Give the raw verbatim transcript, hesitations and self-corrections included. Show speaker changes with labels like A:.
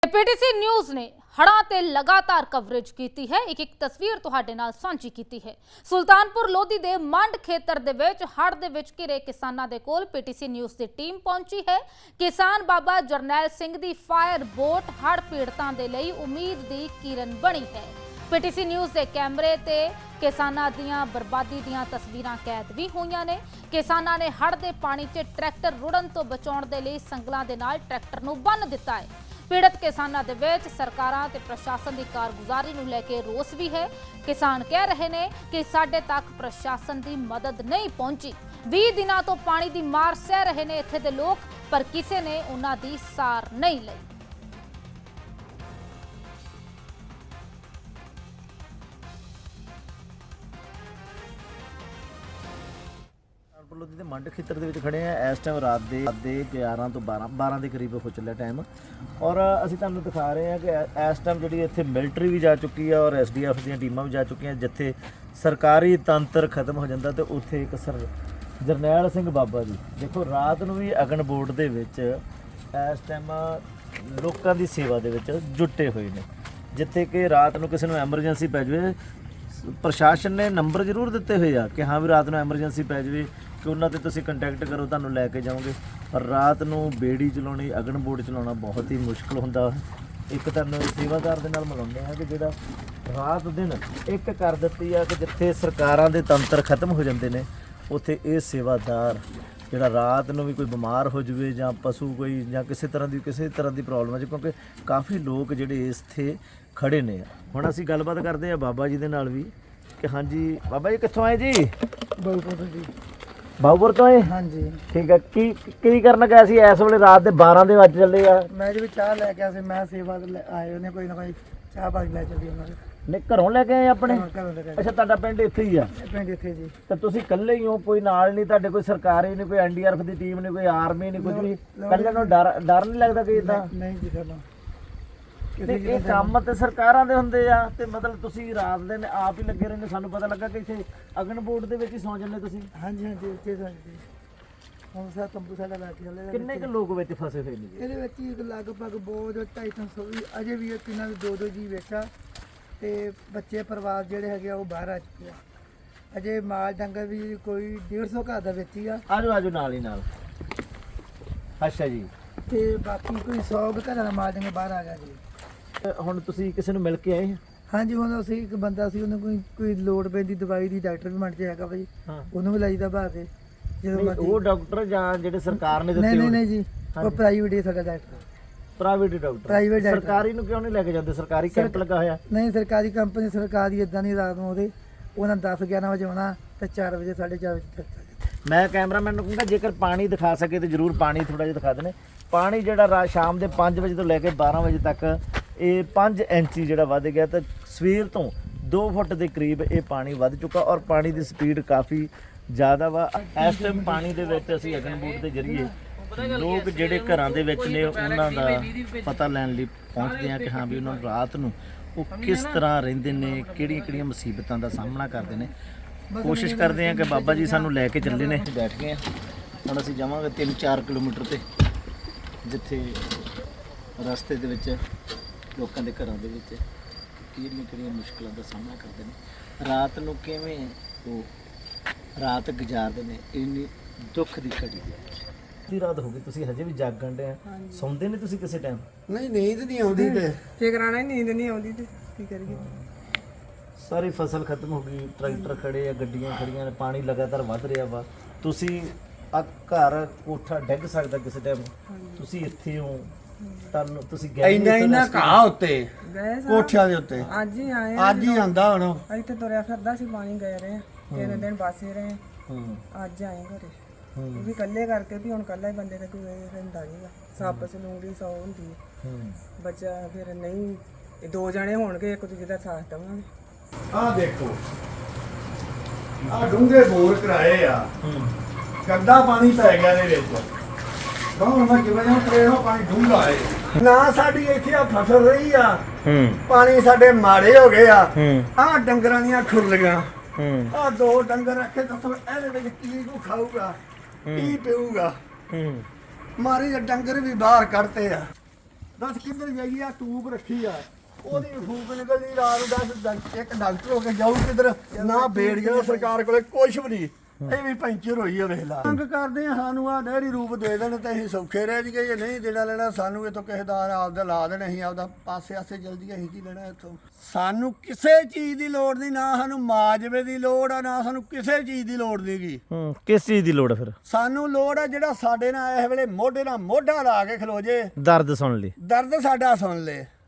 A: PTC news ने हड़ां ते लगातार कवरेज की है। एक एक तस्वीर तुहाडे नाल सांझी की है। सुल्तानपुर लोधी दे मंड खेतर दे विच हड़ दे विच घिरे किसानां दे कोल पीटीसी न्यूज़ की टीम पहुंची है। किसान बाबा जरनैल सिंह दी फायर बोट हड़ पीड़तां दे लई उम्मीद दी किरण बनी है। पीटीसी न्यूज़ के कैमरे ते किसानां दियां बर्बादी दियां तस्वीरां कैद भी होईयां ने। किसानां ने हड़ दे पानी च ट्रैक्टर रुड़न तो बचाउण दे लई संगलां दे नाल ट्रैक्टर नूं बन्न दित्ता है। पीड़ित किसानों के विच सरकारां ते प्रशासन की कारगुजारी नूं लैके रोस भी है। किसान कह रहे हैं कि साडे तक प्रशासन की मदद नहीं पहुंची। बीस दिनों तो पानी की मार सह रहे हैं इत्थे दे लोग, पर किसी ने उन्हां दी सार नहीं लई।
B: लोधी ਦੇ ਮੰਡ ਖੇਤਰ ਦੇ ਵਿੱਚ ਖੜੇ ਆ। ਇਸ ਟਾਈਮ ਰਾਤ ਦੇ ਰਾਤ ਦੇ ਗਿਆਰਾਂ ਤੋਂ ਬਾਰਾਂ ਬਾਰਾਂ ਦੇ ਕਰੀਬ ਹੋ ਚੱਲਿਆ ਟਾਈਮ, ਔਰ ਅਸੀਂ ਤੁਹਾਨੂੰ ਦਿਖਾ ਰਹੇ ਹਾਂ ਕਿ ਇਸ ਟਾਈਮ ਜਿਹੜੀ ਇੱਥੇ ਮਿਲਟਰੀ ਵੀ ਜਾ ਚੁੱਕੀ ਆ ਔਰ ਐਸਡੀਐਫ ਦੀਆਂ ਟੀਮਾਂ ਵੀ ਜਾ ਚੁੱਕੀਆਂ। ਜਿੱਥੇ ਸਰਕਾਰੀ ਤੰਤਰ ਖਤਮ ਹੋ ਜਾਂਦਾ ਤੇ ਉੱਥੇ ਇੱਕ ਸਰ ਜਰਨੈਲ ਸਿੰਘ ਬਾਬਾ ਜੀ ਦੇਖੋ ਰਾਤ ਨੂੰ ਵੀ ਅਗਨ ਬੋਰਡ ਦੇ ਵਿੱਚ ਇਸ ਟਾਈਮ ਲੋਕਾਂ ਦੀ ਸੇਵਾ ਦੇ ਵਿੱਚ ਜੁਟੇ ਹੋਏ ਨੇ। ਜਿੱਥੇ ਕਿ ਰਾਤ ਨੂੰ ਕਿਸੇ ਨੂੰ ਐਮਰਜੈਂਸੀ ਪੈ ਜਾਵੇ, ਪ੍ਰਸ਼ਾਸਨ ਨੇ ਨੰਬਰ ਜ਼ਰੂਰ ਦਿੱਤੇ ਹੋਏ ਆ ਕਿ ਹਾਂ ਵੀ ਰਾਤ ਨੂੰ ਐਮਰਜੈਂਸੀ ਪੈ ਜਾਵੇ ਕਿ ਉਹਨਾਂ 'ਤੇ ਤੁਸੀਂ ਕੰਟੈਕਟ ਕਰੋ, ਤੁਹਾਨੂੰ ਲੈ ਕੇ ਜਾਓਗੇ। ਪਰ ਰਾਤ ਨੂੰ ਬੇੜੀ ਚਲਾਉਣੀ, ਅਗਨ ਬੋਰਡ ਚਲਾਉਣਾ ਬਹੁਤ ਹੀ ਮੁਸ਼ਕਿਲ ਹੁੰਦਾ। ਇੱਕ ਤੁਹਾਨੂੰ ਸੇਵਾਦਾਰ ਦੇ ਨਾਲ ਮਿਲਾਉਂਦੇ ਆ ਕਿ ਜਿਹੜਾ ਰਾਤ ਦਿਨ ਇੱਕ ਕਰ ਦਿੱਤੀ ਆ ਕਿ ਜਿੱਥੇ ਸਰਕਾਰਾਂ ਦੇ ਤੰਤਰ ਖਤਮ ਹੋ ਜਾਂਦੇ ਨੇ, ਉੱਥੇ ਇਹ ਸੇਵਾਦਾਰ ਜਿਹੜਾ ਰਾਤ ਨੂੰ ਵੀ ਕੋਈ ਬਿਮਾਰ ਹੋ ਜਾਵੇ ਜਾਂ ਪਸ਼ੂ ਕੋਈ ਜਾਂ ਕਿਸੇ ਤਰ੍ਹਾਂ ਦੀ ਕਿਸੇ ਤਰ੍ਹਾਂ ਦੀ ਪ੍ਰੋਬਲਮ ਹੈ, ਕਿਉਂਕਿ ਕਾਫੀ ਲੋਕ ਜਿਹੜੇ ਇੱਥੇ ਖੜੇ ਨੇ। ਹੁਣ ਅਸੀਂ ਗੱਲਬਾਤ ਕਰਦੇ ਆ ਬਾਬਾ ਜੀ ਦੇ ਨਾਲ ਵੀ ਕਿ ਹਾਂਜੀ ਬਾਬਾ ਜੀ ਕਿੱਥੋਂ ਆਏ ਜੀ?
C: ਬਾਉਪੁਰ ਜੀ।
B: ਬਾਉਪੁਰ ਤੋਂ ਆਏ?
C: ਹਾਂਜੀ
B: ਠੀਕ ਹੈ। ਕੀ ਕੀ ਕਰਨ ਗਏ ਸੀ ਇਸ ਵੇਲੇ? ਰਾਤ ਦੇ ਬਾਰਾਂ ਦੇ ਵੱਜ ਚੱਲੇ ਆ।
C: ਮੈਂ ਜੀ ਚਾਹ ਲੈ ਕੇ ਆਇਆ ਸੀ। ਮੈਂ ਸੇਵਾ ਤੇ ਲੈ- ਆਏ ਉਹਨੇ ਕੋਈ ਨਾ ਕੋਈ ਚਾਹ ਪਾਣੀ ਲੈ ਚੱਲੀ ਉਹਨਾਂ ਦੇ
B: ਨੇ ਘਰੋਂ ਲੈ ਕੇ ਆਏ ਆਪਣੇ?
C: ਘਰੋਂ- ਘਰੋਂ ਲੈ ਕੇ ਆਏ।
B: ਅੱਛਾ, ਤੁਹਾਡਾ ਪਿੰਡ ਇੱਥੇ ਹੀ ਆ?
C: ਇਹ ਪਿੰਡ ਇੱਥੇ ਜੀ।
B: ਤਾਂ ਤੁਸੀਂ ਇਕੱਲੇ ਹੀ ਹੋ? ਕੋਈ ਨਾਲ ਨਹੀਂ ਤੁਹਾਡੇ? ਕੋਈ ਸਰਕਾਰੀ ਨਹੀਂ, ਕੋਈ ਐਨਡੀਆਰਐਫ ਦੀ ਟੀਮ ਨਹੀਂ, ਕੋਈ ਆਰਮੀ ਨਹੀਂ, ਕੁਝ ਵੀ? ਇਕੱਲੇ ਨੂੰ ਡਰ ਡਰ ਨਹੀਂ ਲੱਗਦਾ ਕਿ ਇਦਾਂ?
C: ਨਹੀਂ ਜੀ ਕਰਨਾ
B: ਤੇ ਇਹ ਕੰਮ ਤੇ ਸਰਕਾਰਾਂ ਦੇ ਹੁੰਦੇ ਆ ਤੇ ਮਤਲਬ ਤੁਸੀਂ ਰਾਤ ਦਿਨ ਆਪ ਹੀ ਲੱਗੇ ਰਹਿੰਦੇ। ਸਾਨੂੰ ਪਤਾ ਲੱਗਾ ਕਿ ਇੱਥੇ ਅਗਨ ਬੋਰਡ ਦੇ ਵਿੱਚ ਹੀ ਸੌਂ ਜਾਂਦੇ ਤੁਸੀਂ।
C: ਹਾਂਜੀ ਹਾਂਜੀ ਇੱਥੇ ਸਾਡੀ ਹੁਣ ਸਾ ਤੰਬੂ ਸਾਡਾ ਲਾ ਕੇ ਚੱਲੇ।
B: ਕਿੰਨੇ ਕੁ ਲੋਕ ਵਿੱਚ ਫਸੇ ਹੋਏ ਨੇ ਜੀ?
C: ਇਹਦੇ ਵਿੱਚ ਹੀ ਇੱਕ ਲਗਭਗ ਬਹੁਤ ਢਾਈ ਤਿੰਨ ਸੌ ਵੀ ਅਜੇ ਵੀ ਇਹਨਾਂ ਦੇ ਦੋ ਦੋ ਜੀ ਵੇਖਿਆ ਤੇ ਬੱਚੇ ਪਰਿਵਾਰ ਜਿਹੜੇ ਹੈਗੇ ਆ ਉਹ ਬਾਹਰ ਆ ਚੁੱਕੇ ਆ। ਅਜੇ ਮਾਲ ਡੰਗਰ ਵੀ ਕੋਈ ਡੇਢ ਸੌ ਘਰ ਦਾ ਵਿੱਚ ਹੀ ਆ।
B: ਆਜੋ ਆਜੋ ਨਾਲ ਹੀ ਨਾਲ। ਅੱਛਾ ਜੀ।
C: ਤੇ ਬਾਕੀ ਕੋਈ ਸੌ ਕੁ ਘਰਾਂ ਦਾ ਮਾਲ ਡੰਗਰ ਬਾਹਰ ਆ ਗਿਆ ਜੀ।
B: ਹੁਣ ਤੁਸੀਂ ਕਿਸੇ ਨੂੰ ਮਿਲ ਕੇ ਆਏ?
C: ਹਾਂਜੀ ਹੁਣ ਅਸੀਂ ਇੱਕ ਬੰਦਾ ਸੀ, ਉਹਨੂੰ ਕੋਈ ਕੋਈ ਲੋੜ ਪੈਂਦੀ ਦਵਾਈ ਦੀ, ਡਾਕਟਰ ਵੀ ਮੰਨ 'ਚ ਹੈਗਾ ਭਾਈ,
B: ਹਾਂ।
C: ਉਹਨੂੰ ਵੀ ਲਾਈਦਾ ਬਾਹਰ ਦੇ ਜਦੋਂ
B: ਨਹੀਂ,
C: ਮਰਜ਼ੀ।
B: ਉਹ ਡਾਕਟਰ ਜਾਂ ਜਿਹੜੇ ਸਰਕਾਰ ਨੇ
C: ਨਹੀਂ
B: ਦਿੱਤੇ
C: ਨਹੀਂ
B: ਹੋਣ?
C: ਨਹੀਂ ਜੀ, ਉਹ ਪ੍ਰਾਈਵੇਟ ਹੀ ਸਾਡਾ doctor.
B: Private doctor?
C: Private doctor.
B: ਸਰਕਾਰੀ ਨੂੰ ਕਿਉਂ ਨਹੀਂ ਲੈ ਕੇ ਜਾਂਦੇ? ਸਰਕਾਰੀ ਕੈਂਪ ਲੱਗਾ ਹੋਇਆ।
C: ਨਹੀਂ ਸਰਕਾਰੀ ਕੰਪਨੀ ਸਰਕਾਰੀ ਇਦਾਂ ਨਹੀਂ, ਰਾਤ ਨੂੰ ਉਹਦੇ ਉਹਨਾਂ ਦਸ ਗਿਆਰਾਂ ਵਜੇ ਆਉਣਾ ਤੇ ਚਾਰ ਵਜੇ ਸਾਢੇ ਚਾਰ ਵਜੇ ਤੱਕ।
B: ਮੈਂ ਕੈਮਰਾਮੈਨ ਨੂੰ ਕਹੂੰਗਾ ਜੇਕਰ ਪਾਣੀ ਦਿਖਾ ਸਕੇ ਤੇ ਜ਼ਰੂਰ ਪਾਣੀ ਥੋੜਾ ਜਿਹਾ ਦਿਖਾ ਦੇਣੇ। ਪਾਣੀ ਜਿਹੜਾ ਰਾਤ ਸ਼ਾਮ ਦੇ ਪੰਜ ਵਜੇ ਤੋਂ ਲੈ ਕੇ ਬਾਰਾਂ ਵਜੇ ਤੱਕ ਇਹ ਪੰਜ ਇੰਚੀ ਜਿਹੜਾ ਵੱਧ ਗਿਆ ਤੇ ਸਵੇਰ ਤੋਂ ਦੋ ਫੁੱਟ ਦੇ ਕਰੀਬ ਇਹ ਪਾਣੀ ਵੱਧ ਚੁੱਕਾ ਔਰ ਪਾਣੀ ਦੀ ਸਪੀਡ ਕਾਫੀ ਜ਼ਿਆਦਾ ਵਾ। ਇਸ ਟਾਈਮ ਪਾਣੀ ਦੇ ਵਿੱਚ ਅਸੀਂ ਅਗਨ ਬੋਰਡ ਦੇ ਜ਼ਰੀਏ ਲੋਕ ਜਿਹੜੇ ਘਰਾਂ ਦੇ ਵਿੱਚ ਨੇ ਉਹਨਾਂ ਦਾ ਪਤਾ ਲੈਣ ਲਈ ਪਹੁੰਚਦੇ ਆ ਕਿ ਹਾਂ ਵੀ ਉਹਨਾਂ ਨੂੰ ਰਾਤ ਨੂੰ ਉਹ ਕਿਸ ਤਰ੍ਹਾਂ ਰਹਿੰਦੇ ਨੇ, ਕਿਹੜੀਆਂ ਕਿਹੜੀਆਂ ਮੁਸੀਬਤਾਂ ਦਾ ਸਾਹਮਣਾ ਕਰਦੇ ਨੇ। ਕੋਸ਼ਿਸ਼ ਕਰਦੇ ਆ ਕਿ ਬਾਬਾ ਜੀ ਸਾਨੂੰ ਲੈ ਕੇ ਚੱਲੇ ਨੇ। ਬੈਠ ਗਏ ਆ, ਹੁਣ ਅਸੀਂ ਜਾਵਾਂਗੇ ਤਿੰਨ ਚਾਰ ਕਿਲੋਮੀਟਰ ਤੇ, ਜਿੱਥੇ ਰਸਤੇ ਦੇ ਵਿੱਚ ਲੋਕਾਂ ਦੇ ਘਰਾਂ ਦੇ ਵਿੱਚ ਕਿਹੜੀਆਂ ਕਿਹੜੀਆਂ ਮੁਸ਼ਕਲਾਂ ਦਾ ਸਾਹਮਣਾ ਕਰਦੇ ਨੇ, ਰਾਤ ਨੂੰ ਕਿਵੇਂ ਉਹ ਰਾਤ ਗੁਜ਼ਾਰਦੇ ਨੇ ਇੰਨੀ ਦੁੱਖ ਦੀ ਘੜੀ ਦੇ ਵਿੱਚ। ਦੀ ਰਾਤ ਹੋ ਗਈ, ਤੁਸੀਂ ਹਜੇ ਵੀ ਜਾਗਣ ਦੇ ਆ? ਸੌਂਦੇ ਨੇ ਤੁਸੀਂ ਕਿਸੇ ਟਾਈਮ?
C: ਨਹੀਂ ਨੀਂਦ ਨਹੀਂ ਆਉਂਦੀ ਤੇ ਕੀ ਕਰਾਣਾ, ਹੀ ਨੀਂਦ ਨਹੀਂ ਆਉਂਦੀ ਤੇ ਕੀ ਕਰੀਏ।
B: ਸਾਰੀ ਫਸਲ ਖਤਮ ਹੋ ਗਈ, ਟਰੈਕਟਰ ਖੜੇ ਆ, ਗੱਡੀਆਂ ਖੜੀਆਂ ਨੇ, ਪਾਣੀ ਲਗਾਤਾਰ ਵੱਧ ਰਿਹਾ ਵਾ। ਤੁਸੀਂ ਆ ਘਰ ਕੋਠਾ ਡਿੱਗ ਸਕਦਾ ਕਿਸੇ ਟਾਈਮ, ਤੁਸੀਂ ਇੱਥੇ ਹੋ, ਤੁਹਾਨੂੰ ਤੁਸੀਂ ਗਏ
D: ਇੰਨਾ ਇੰਨਾ ਘਾਹ ਉੱਤੇ
E: ਗਏ
D: ਕੋਠਿਆਂ ਦੇ ਉੱਤੇ
E: ਅੱਜ ਹੀ ਆਏ
D: ਅੱਜ ਹੀ ਆਂਦਾ ਹੁਣ।
E: ਇੱਥੇ ਤੁਰਿਆ ਫਿਰਦਾ ਸੀ, ਪਾਣੀ ਗਏ ਰਹੇ ਤਿੰਨ ਦਿਨ ਬਾਸੇ ਰਹੇ।
B: ਹੂੰ
E: ਅੱਜ ਆਏ ਘਰੇ,
B: ਹੂੰ
E: ਉਹ ਵੀ ਇਕੱਲੇ ਕਰਕੇ ਵੀ ਹੁਣ ਇਕੱਲਾ ਹੀ ਬੰਦੇ ਦਾ ਕੋਈ ਰਹਿੰਦਾ ਨਹੀਂਗਾ। ਸੱਪ ਸਲੂੰਗੀ ਸੌ ਹੁੰਦੀ ਹੈ,
B: ਹੂੰ
E: ਬੱਚਾ ਫਿਰ ਨਹੀਂ ਇਹ ਦੋ ਜਣੇ ਹੋਣਗੇ ਇੱਕ ਦੂਜੇ ਦਾ ਸਾਥ ਦੇਵਾਂਗੇ।
D: ਆਹ ਦੇਖੋ ਆਹ ਡੂੰਘੇ ਬੋਰ ਕਰਾਏ ਆ,
B: ਹੂੰ
D: ਗੰਦਾ ਪਾਣੀ ਪੈ ਗਿਆ ਇਹਦੇ ਵਿੱਚ। ਕੌਣ ਮੈਂ ਕਿਵੇਂ ਜਾਂ ਕਰੇਗਾ ਪਾਣੀ ਡੂੰਘਾ ਹੈ ਨਾ। ਸਾਡੀ ਇੱਥੇ ਆ ਫਸਲ ਰਹੀ ਆ,
B: ਹੂੰ
D: ਪਾਣੀ ਸਾਡੇ ਮਾੜੇ ਹੋ ਗਏ ਆ।
B: ਹੂੰ
D: ਆਹ ਡੰਗਰਾਂ ਦੀਆਂ ਖੁਰਲੀਆਂ,
B: ਹੂੰ
D: ਆਹ ਦੋ ਡੰਗਰ ਰੱਖੇ ਦੱਸੋ ਇਹਦੇ ਵਿੱਚ ਕੀ ਕੋ ਖਾਊਗਾ, ਕੀ ਪੀਊਗਾ?
B: ਹੂੰ
D: ਮਾਰੇ ਡੰਗਰ ਵੀ ਬਾਹਰ ਕੱਢਤੇ ਆ। ਦੱਸ ਕਿੱਧਰ ਜਾਈਏ? ਆ ਟੂਬ ਰੱਖੀ ਆ, ਉਹਦੀ ਫੂਕ ਨਿਕਲਦੀ ਰਾਤ ਨੂੰ। ਦੱਸ ਡਾਕ- ਇੱਕ ਡਾਕਟਰ ਹੋ ਕੇ ਜਾਊ ਕਿੱਧਰ? ਨਾ ਬੇੜੀਆਂ ਸਰਕਾਰ ਕੋਲੇ ਕੁਛ ਵੀ ਨਹੀਂ, ਇਹ ਵੀ ਪੈਂਚਰ ਹੋਈ ਆ, ਵੇਖ ਲਾ। ਮੰਗ ਕਰਦੇ ਆ ਸਾਨੂੰ ਆ ਨਹਿਰੀ ਰੂਪ ਦੇ ਦੇਣ ਤੇ ਅਸੀਂ ਸੌਖੇ ਰਹਿ ਜਾਈਏ। ਜੇ ਨਹੀਂ ਦੇਣਾ ਲੈਣਾ ਸਾਨੂੰ ਇਥੋਂ ਕਿਸੇ ਦਾ ਆਪਦਾ ਲਾ ਦੇਣ, ਅਸੀਂ ਆਪਦਾ ਪਾਸੇ ਆਸੇ ਜਲਦੀ ਅਸੀਂ ਕੀ ਲੈਣਾ ਇੱਥੋਂ। ਸਾਨੂੰ ਕਿਸੇ ਚੀਜ਼ ਦੀ ਲੋੜ ਨਹੀਂ, ਨਾ ਸਾਨੂੰ ਮਾਜਵੇ ਦੀ ਲੋੜ ਆ, ਨਾ ਸਾਨੂੰ ਕਿਸੇ ਚੀਜ਼ ਦੀ ਲੋੜ ਨਹੀਂਗੀ।
B: ਹੂੰ, ਕਿਸ ਚੀਜ਼ ਦੀ ਲੋੜ ਹੈ ਫਿਰ?
D: ਸਾਨੂੰ ਲੋੜ ਆ ਜਿਹੜਾ ਸਾਡੇ ਨਾਲ ਇਸ ਵੇਲੇ ਮੋਢੇ ਨਾਲ ਮੋਢਾ ਲਾ ਕੇ ਖਲੋ ਜੇ,
B: ਦਰਦ ਸੁਣ ਲਈ।
D: ਦਰਦ ਸਾਡਾ ਸੁਣ ਲੇ।